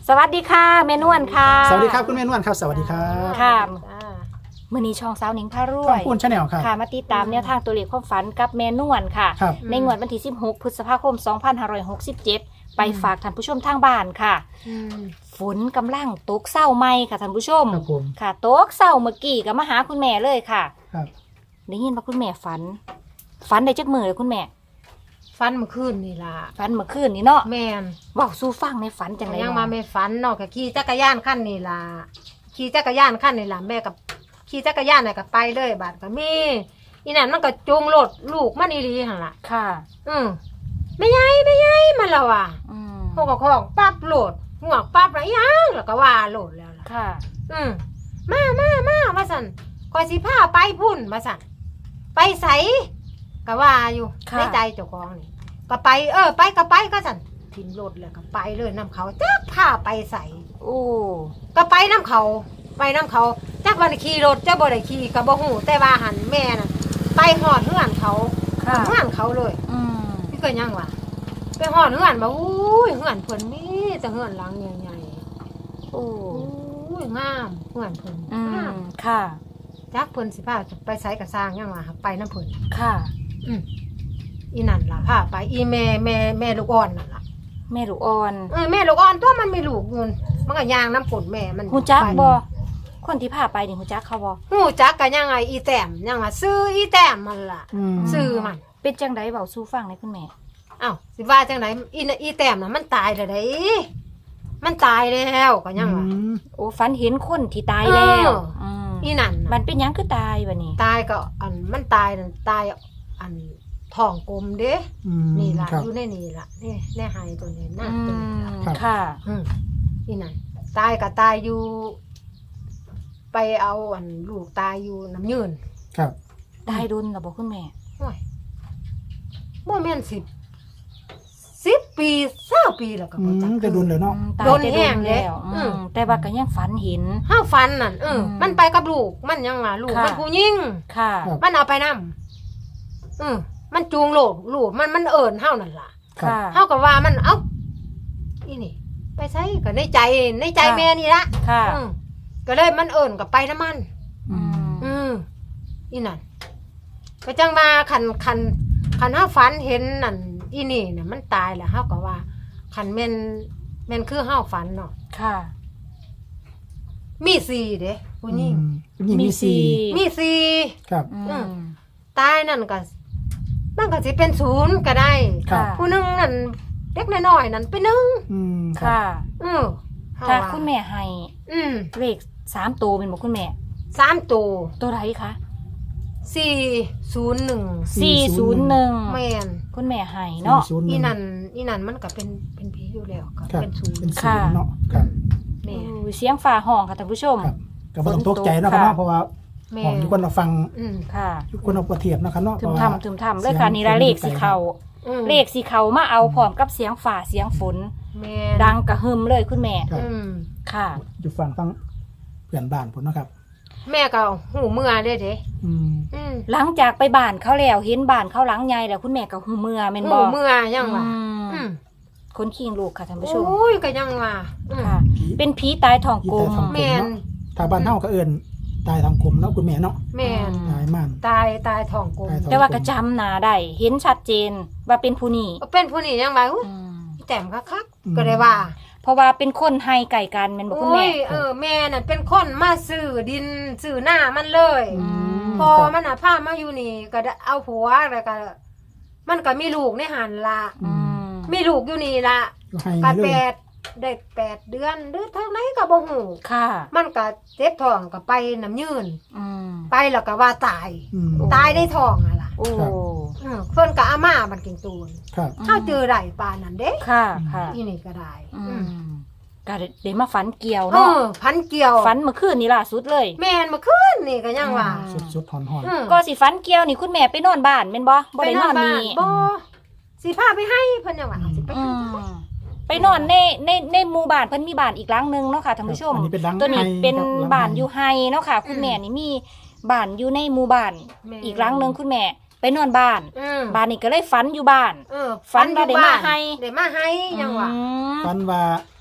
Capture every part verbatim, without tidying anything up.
สวัสดีค่ะแม่นวลค่ะสวัสดีครับคุณแม่นวลครับสวัสดีครับค่ะมื้อนี้ช่องสาวหนิงพารวช่อย งพูนชาแนลครับค่ะมาติดตามแนวทางตัวเลขความฝันกับแม่นวลค่ะครับในงวดวันที่สิบหกพฤษภาคมสองพันห้าร้อยหกสิบเจ็ดไปฝากท่านผู้ชมทางบ้านค่ะฝนกำลังตกเศร้าไหมค่ะท่านผู้ชมครับผมค่ะตกเศร้าเมื่อกี้ก็มาหาคุณแม่เลยค่ะครับได้ยินว่าคุณแม่ฝัน ฝันได้จักมือเลยคุณแม่ฟันเมื่อคืนนี่ล่ะฝันเมื่อคืนนี้เนาะแม่นเว้าสู่ฟังในฝันจังไดยังเนาะมาไม่ฝันเนาะก็ขี่จักรยานขั้นนี่ล่ะขี่จักรยานขั้นนี่ล่ะแม่กับขี่จักรยานน่ะก็ไปเลยบาดก็มีอีนั่นมันก็จูงรถลูกมันอีหลีหั่นล่ะค่ะอืมไม่ใหญ่ไม่ใหญ่มันและว่ะอืมพวกก็ของปั๊บโหลดหัวกปั๊บแล้วยังแล้วก็ว่าโหลดแล้วล่ะค่ะอืมมามามาว่าสั่นคอยสิพาไปพุ่นมาสั่นไปใสก็ว่าอยู่ค่ะในใจเจ้าของนี่ก็ไปเออ ไปก็ไปก็สั่นทิ้งรถแล้วก็ไปเลยน้ำเขาจักพาไปใสโอ้ก็ไปน้ำเขาไปน้ำเขาจักวันขี่รถจะบ่ได้ขี่ก็บ่ฮู้แต่ว่าหันแม่น่ะไปหอดเฮือนเขาค่ะเฮือนเขาเลยอืมนี่ก็ยังวะไปหอดเฮือนบ่อุ้ยเฮือนเพิ่นมีแต่เฮือนหลังใหญ่โอ้ๆอุ้ยงามเฮือนเพิ่นอืงามมค่ะจักเพิ่นสิพาไปไสก็สร้างยังว่าไปน้ำเพิ่นค่ะอืมอีนั่นล่ะพาไปอีแม่แม่แม่ลูกอ่อนนั่นล่ะแม่ลูกอ่อนเออแม่ลูกอ่อนตัวมันมีลูกอยู่มันก็ย่างน้ำฝนแม่มันหูจักไปบ่คนที่พาไปนี่หูจักเขาบ่หูจักก็ยังไงอีแต้มยังว่าซื้ออีแต้มมันล่ะอืมซื้อมันเป็นจังไดเว้าสู่ฟังเลยคุณแม่อ้าวสิว่าจังไหนอีน่ะอีแต้มน่ะมันตายแล้วเด้มันตายแล้วก็ยังว่าอืมโอ้ฝันเห็นคนที่ตายแล้วเอออืมอีนั่นมัน่ะนเป็นหยังคือตายบัดนี้ตายก็อันมันตายนั่นตายอันท้องกลมเด้อืมนี่ล่ะครับอยู่ในนี่ล่ะนี่ในหายตัวนี้อืน่ะตัวนี้ล่ะมค่ะอืมนี่นั่นตายก็ตายอยู่ ไปเอาอันลูกตายอยู่น้ำยืนครับตายดุนล่ะบ่คุณแม่โอ้ยบ่แม่นสิบสิบปีเศร้าปีแล้วก็อืบ่มจักจะดุนเลยเนาะอืมตายโดนแต่แห้งแล้วเด้อือืมมแต่ว่าก็ยังฝันเห็นห้าฟันนั่นเอออมมันไปกับลูกมันยังว่าลูกค่ะมันผู้ยิ่งค่ะครับมันเอาไปนำอืมมันจูงโลกลูกมันมันเอิ้นเฮานั่นล่ะครับค่ะเฮาก็ว่ามันเอ้าอีนี่ ไปใช้ก็ในใจในใจค่ะแม่นี่ละค่ะอืมก็เลยมันเอิ้นก็ไปน้ำมันอืมอืมอีนั่นก็จังว่าคันคันคันเฮาฝันเห็นนั่นอีนี่น่ะมันตายแล้วเฮาก็ว่าคันแม่นแม่นคือเฮาฝันเนาะค่ะมีสี่เด้ผู้หญิงอืมผู้หญิงมีสี่มีสี่ครับอืมตายนั่นก็มันก็สิเป็นศูนย์ก็ได้ครับค่ะผู้หนึงนั่นเด็กน้อยๆนั่นเป็นหนึ่งอืมรับค่ะอือเฮถ้าว่าคุณแม่ให้อืมเลขสามตัวเป็นบ่คุณแม่สามตัวตัวไรคะสี่ศูนย์หนึ่งสี่ศูนย์หนึ่งแม่นคุณแม่ให้เนาะสี่ศูย์หอีงนั่นอีนั่นมันก็เป็นเป็นผีอยู่แล้วก็ครับเป็นศูนย์เป็นศูค่ะนย์เนาะครับแม่อู้เสียงฟ้าห้องค่ะท่านผู้ชมครับก็บ่ต้องตกใจเนาะครับค่ะเนาะเพราะว่าแม่ของทุกคนเราฟังอืมค่ะทุกคนเราประเทียบเนาะครับเนาะถึเพมราะว่าทำถึมทำเลยค่ะนี่ละเลขสีเขาอืมเลขสีเขามาเอาพร้อมกับเสียงฝ่าเสียงฝนแม่ดังกระหึ่มเลยคุณแม่ครับอืมค่ะอยู่ฟังฟังเพื่อนบ้านผมเนาะครับแม่ก็หูเมื่อเด้เด้อืมอืมหลังจากไปบ้านเขาแล้วเห็นบ้านเขาหลังใหญ่แล้วคุณแม่ก็หูเมื่อแม่นหูบ่เมื่อยังว่าอืมอืมคนขี้ลูกค่ะท่านผู้ชมโอ้ยก็ยังว่าอืมค่ะผีเป็นผีตายทองกลมผีตายทองกลแม่นถ้าบ้านเฮาก็เอิ้นตายทางกลมเนาะคุณแม่เนาะแม่นตายม่านตายตายท้องกลมตายท้องแต่ว่ากระจำหนาได้เห็นชัดเจนว่าเป็นผู้นี้เป็นผู้นี้ยังว่าอุ๊ยอืมแต้มคักๆก็ได้ว่าเพราะว่าเป็นคนให้ไก่กันแม่นบ่คุณโอ้แม่ยเออแม่น่ะเป็นคนมาซื้อดินซื้อหน้ามันเลยอืมพอครับมันน่ะพามาอยู่นี่ก็ได้เอาผัวแล้วก็มันก็มีลูกในหันละอืมมีลูกอยู่นี่ละก็ให้ก็เลแปยดได้แปดเดือนหรือเท่าไหนก็บ่ฮู้ค่ะมันก็เจ็บท้องก็ไปน้ำยืนอืมไปแล้วก็ว่าตายอืมตายได้ท้องอ่ะล่ะโอ้ครับเออเพิ่นก็อาม่ามันกินตูนครับเฮาเจอได้ปานนั้นเด้ค่ะค่ะอีนี่ก็ได้อือืมมก็ได้มาฝันเกี่ยวเอเนาะอพันเกี่ยวฝันเมื่อคืนนี้ล่าสุดเลยแม่นเมื่อคืนนี่ก็ยังว่าอืมสุดๆหอนอืมก็สิฝันเกี่ยวนี่คุณแม่ไปนอนบ้านแม่นบ่บ่ได้นอนบ้านี่บ่สิพาไปให้เพิ่นยังว่าสิไปอืให้มไปนอนในในในหมู่บ้านเพิ่นมีบ้านอีกหลังนึงเนาะค่ะท่านผู้ชมอันนี้เป็นหลังตัวนี้ไฮเป็นครับหลังบ้านไฮอยู่ไฮเนาะค่ะ คุณแม่นี่มีบ้านอยู่ในหมู่บ้านแม่อีกหลังนึงคุณแม่ ไปนอนบ้านอืมบ้านนี้ก็เลยฝันอยู่บ้านเออฝันว่าได้มาให้ได้มาให้ยังว่าอืมฟันว่าผี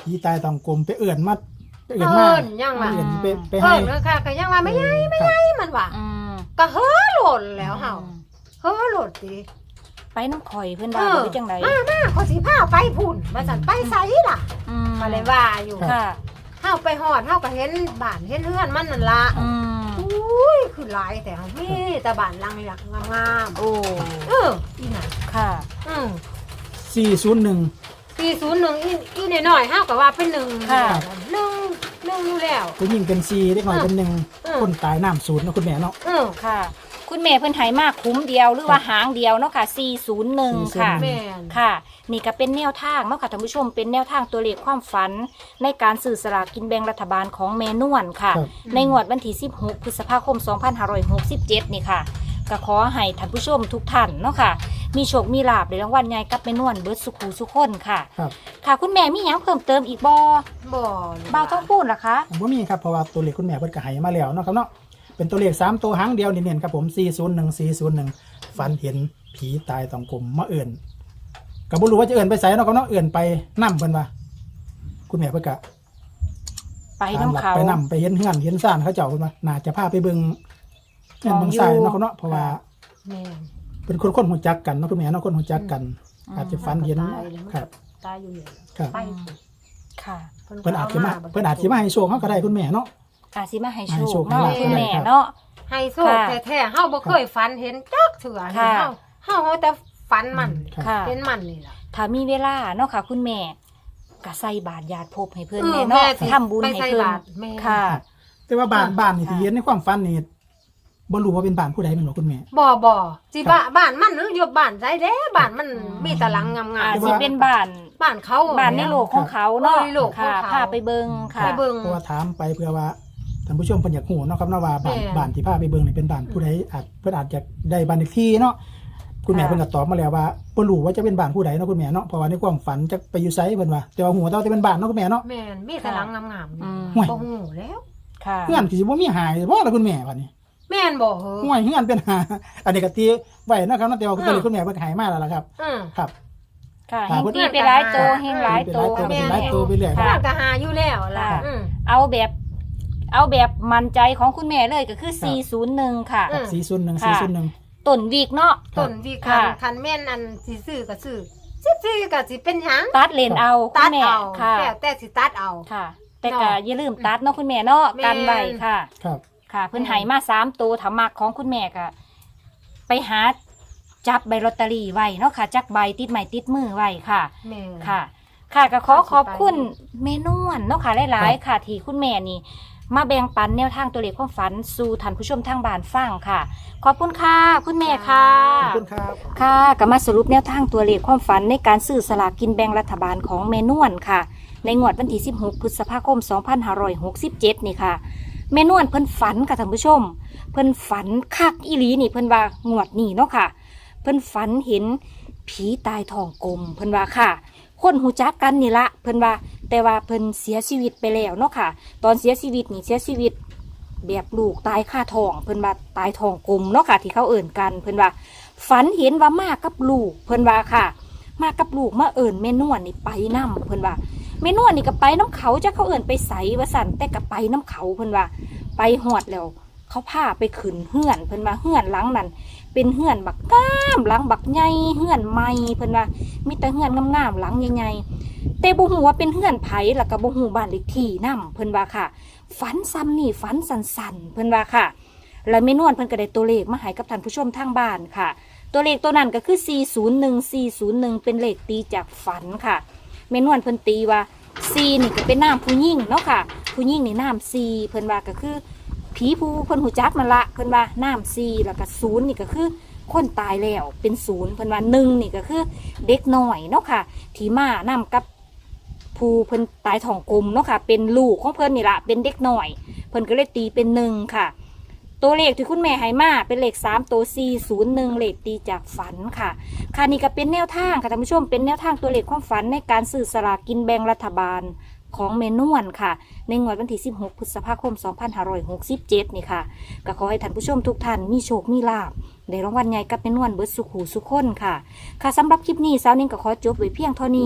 ผีตายตองกลมไปเอื่นมาไปเอื่นเอิมา้นยังว่าเอื่นไปไปเอิ้ให้นเลยค่ะก็ยังว่าไม่ใหญ่ไม่ใหญ่มันว่าอืมก็เฮ้อโหลดแล้วเฮาอืมเฮ้อโหลดสิไปน้ำข่อยเพื่อนว่าบ่ได้จังไดมามาเขาสิพาไปพุ่นว่าซั่นไปไสล่ะอืมมาเลยว่าอยู่ค่ะเฮาไปฮอดเฮาก็เห็นบ้านเห็นเฮือนมันนั่นล่ะอืมอุ้ยคือหลายแต่เฮามีแต่บ้านหลังหลักงามโอ้ๆเอออีน่ะค่ะอืมสี่ศูนย์หนึ่งสี่ศูนย์หนึ่งอีอีน้อยๆเฮาก็ว่าเป็นหนึ่งค่ะหนึ่งหนึ่งอยู่แล้วผู้หญิงเป็นสี่เด็กน้อยเป็นหนึ่งอืมคนตายน้ำศูนย์เนาะคุณแม่เนาะเออค่ะ คุณแม่เพิ่นใหายมากคุ้มเดียวหรือว่าหางเดียวเนาะค่ะสี่ศูนย์หนึ่งค่ะสี่ศูนย์หนึ่งแม่นค่ะ นี่ก็เป็นแนวทางเนาะค่ะท่านผู้ชมเป็นแนวทางตัวเลขความฝัน ในการสื่อสลากกินแบ่งรัฐบาลของแม่นวลค่ะครับในงวดวันที่สิบหกพฤษภาคมสองพันห้าร้อยหกสิบเจ็ดนี่ค่ะก็ขอให้ท่านผู้ชมทุกท่านเนาะค่ะ มีโชคมีลาภในรางวัลใหญ่กับแม่นวลเบิร์ดสุขูสุขคนค่ะครับค่ะ คุณแม่มีหยังเพิ่มเติมอีกบ่บ่บ่าวต้องพูดเหรอคะผมว่ามีครับเพราะว่าตัวเลขคุณแม่เพิ่นก็ให้มาแล้วเนาะครับเนาะเป็นตัวเลขสามตัวหางเดียวเนียนๆครับผมสี่ศูนย์หนึ่งสี่ศูนย์หนึ่งฝันเห็นผีตายตองกลมมาเอื่นก็บ่รู้ว่าจะเอื่นไปไสเนาะครับเนาะเอื่นไปนํเพิ่นว่าคุณแม่เพิ่นก็ไปน้ำเขาไปนํไปเห็นเฮือนเห็นซ่านเขาเจ้าเพิ่นว่าน่าจะพาไปเบิ่งเฮือนเบิ่งซ่านเนาะครับเนาะเพราะว่าแม่นเป็นคนคนหูจักกันเนาะคุณแม่เนาะคนหูจักกันอืมอาจจะฝันเห็นตายแล้วครับตายอยู่เนี่ยครับไปค่ะเพิ่นอาจจะมาเพิ่นอาจจะมาให้โชคเฮาก็ได้คุณแม่เนาะอาสิมาให้ให้โชโชคคเนาะให้ลาภคุณแม่ครับเนาะให้โชคค่ะแท้ๆเฮาบ่เคยฝันเห็นจักเถื่อค่ะเฮาเฮาเอาแต่ฝันมันครับค่ะเห็นมันนี่ล่ะถ้ามีเวลาเนาะค่ะ คุณแม่ก็ใส่บาตรญาติภพให้เพิ่นเออแม่เนาะแม่สิทำบุญไปให้ใส่เพิ่นบาตรแม่ค่ะแต่ว่าบ้านค่ะบ้านนี่ที่ค่ะเห็นในความฝันนี่บ่รู้ว่าเป็นบ้านผู้ใดแม่นบ่คุณแม่บ่บ่สิครับบ้านบ้านมันหรืออยู่บ้านใดเด้บ้านมันอืมมีแตะลังงามอาๆสิเป็นบ้านบ้านเขาบ้านในโลกของเขาเนาะเออในโลกของค่ะเขาพาไปเบิ่งค่ะไปเบิ่งเพราะว่าถามไปเพื่อว่าท่านผู้ชมเพิ่นอยากฮู้เนาะครับเนาะว่าบ้านแม่บ้านที่พาไปเบิ่งนี่เป็นบ้านผู้ใดอาจเพิ่นอาจจะได้บ้านเลขที่เนาะคุณแม่ค่ะเพิ่นก็ตอบมาแล้วว่าบ่รู้ว่าจะเป็นบ้านผู้ใดเนาะคุณแม่เนาะเพราะว่าในความฝันจะไปอยู่ไสเพิ่นว่าแต่ว่าฮู้แต่ว่าจะเป็นบ้านเนาะคุณแม่เนาะแม่นมีแตะลังงามๆอืนี่มห่วยบ่ฮู้แล้วค่ะเฮือนสิบ่มีหายบ่ล่ะคุณแม่บัดนี้แม่นบ่เหรอห่วยเฮือนเป็นหาอันนี้ก็ตีไว้เนาะครับเนาะแต่ว่าอืมตัวเลขคุณแม่เพิ่นก็ให้มาแล้วล่ะครับอืมครับค่ะค่ะเฮงตีไปหลายโตเฮงหลายโตเป็นหลายโตเป็นหลายโตไปเรื่อยบ้าค่ะนก็หาอยู่แล้วล่ะค่ะอืมเอาแบบ เอาแบบมั่นใจของคุณแม่เลยก็คือสี่ศูนย์หนึ่งค่ะอืมสี่ศูนย์หนึ่งค่ะสี่ศูนย์หนึ่งต้นวีกเนาะครับต้นวิคันค่ะคันแม่นอันสิซื้อก็ซื้อสิซื้อก็สิเป็นหยังตัดเลนเอาคุตัณดแม่เอาค่ะแต่แต่สิตัดเอาค่ะ แต่เนาะก็อย่าลืมตัดเนาะคุณแม่เนาะแม่นกันไว้ค่ะครับค่ะ เพิ่นใหายมาสามตัวถามักของคุณแม่ก็ไปหาจับใบลอตเตอรี่ไว้เนาะค่ะ จักใบติดไม้ติดมือไว้ค่ะแม่ค่ะ ค่ะก็ขอขอบคุณเมนวนเนาะค่ะหลายๆค่ะ ที่คุณแม่นี่ มาแบ่งปันแนวทางตัวเลขความฝันสู่ท่านผู้ชมทางบ้านฟังค่ะ ขอบคุณค่ะ คุณแม่ค่ะขอบคุณครับค่ะก็มาสรุปแนวทางตัวเลขความฝันในการซื้อสลากกินแบ่งรัฐบาลของเมนวนค่ะ ในงวดวันที่สิบหกพฤษภาคมสองพันห้าร้อยหกสิบเจ็ดนี่ค่ะเมนวนเพิ่นฝันค่ะท่านผู้ชม เพิ่นฝันคักอีหลีนี่เพิ่นว่างวดนี้เนาะค่ะ เพิ่นฝันเห็นผีตายท้องกลมเพิ่นว่าค่ะ คนหูจักกันนี่ละเพิ่นว่า แต่ว่าเพิ่นเสียชีวิตไปแล้วเนาะค่ะ ตอนเสียชีวิตนี่เสียชีวิต แบบลูกตายคาท้องเพิ่นว่าตายท้องกลมเนาะค่ะ ที่เขาเอิ่นกันเพิ่นว่า ฝันเห็นว่ามากับลูกเพิ่นว่าค่ะ มากับลูกมาเอิ่นแม่นวลนี่ไปนํเพิ่นว่าแม่นวลนี่ก็ไปน้ำเขาจะเขาเอิ่นไปใสว่าสั่นแต่ก็ไปน้ำเขาเพิ่นว่า ไปหอดแล้ว เขาพาไปขึ้นเฮือนเพิ่นว่าเฮือนหลังนั้นเป็นเฮือนบักงามหลังบักใหญ่เฮือนใหม่เพิ่นว่ามีแต่เฮือนงามๆหลังใหญ่ๆแต่บ่ฮู้ว่าเป็นเฮือนไผแล้วก็บ่ฮู้บ้านเลขที่นํเพิ่นว่าค่ะ ฝันซ้ำนี่ฝันสั่นๆเพิ่นว่าค่ะ แล้วแม่นวลเพิ่นก็ได้ตัวเลขมาให้กับท่านผู้ชมทางบ้านค่ะ ตัวเลขตัวนั้นก็คือสี่ศูนย์หนึ่ง สี่ศูนย์หนึ่งเป็นเลขตีจากฝันค่ะแม่นวลเพิ่นตีว่าสี่นี่ก็เป็นนามผู้หญิงเนาะค่ะ ผู้หญิงนี่นามสี่เพิ่นว่าก็คือผีผู้เพิ่นหูจักนั่นละเพิ่นว่านามสี่แล้วก็ศูนย์นี่ก็คือคนตายแล้วเป็นศูนย์เพิ่นว่าหนึ่งนี่ก็คือเด็กน้อยเนาะค่ะที่มานำกับผู้เพิ่นตายท้องกลมเนาะค่ะ เป็นลูกของเพิ่นนี่ละเป็นเด็กน้อย เพิ่นก็เลยตีเป็นหนึ่งค่ะ ตัวเลขที่คุณแม่ให้มาเป็นเลขสามตัวสี่ศูนย์หนึ่งเลขตีจากฝันค่ะค่ะนี่ก็เป็นแนวทางค่ะท่านผู้ชมเป็นแนวทางตัวเลขความฝันในการซื้อสลากกินแบ่งรัฐบาลของเมนวนค่ะ ในงวดวันที่สิบหกพฤษภาคมสองพันห้าร้อยหกสิบเจ็ดนี่ค่ะก็ขอให้ท่านผู้ชมทุกท่านมีโชคมีลาภได้รางวัลใหญ่กับเมนวนเบิร์ดสุขหูสุขคนค่ะค่ะสำหรับคลิปนี้สาวนิ่งก็ขอจบไว้เพียงเท่านี้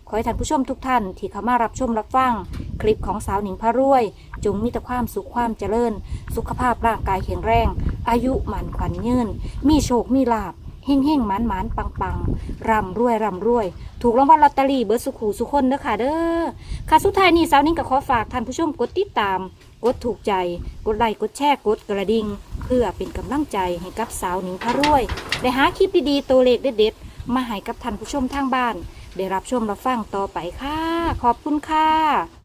ขอให้ท่านผู้ชมทุกท่านที่เข้ามารับชมรับฟังคลิปของสาวหนิงพระรวยจงมีแต่ความสุขความเจริญสุขภาพร่างกายแข็งแรงอายุหมันขวัญยืนมีโชคมีลาภเฮ่งเฮ่งหมันหมันปังปังร่ำรวยร่ำรวยถูกรางวัลลอตเตอรี่เบิร์สุขูสุคนเด้อค่ะเด้อค่ะสุดท้ายนี้สาวหนิงก็ขอฝากท่านผู้ชมกดติดตามกดถูกใจกดไลค์กดแชร์กดกระดิ่งเพื่อเป็นกำลังใจให้กับสาวหนิงพระรวยได้หาคลิปดีๆตัวเลขเด็ดๆมาให้กับท่านผู้ชมทางบ้านได้รับชมรับฟังต่อไปค่ะขอบคุณค่ะ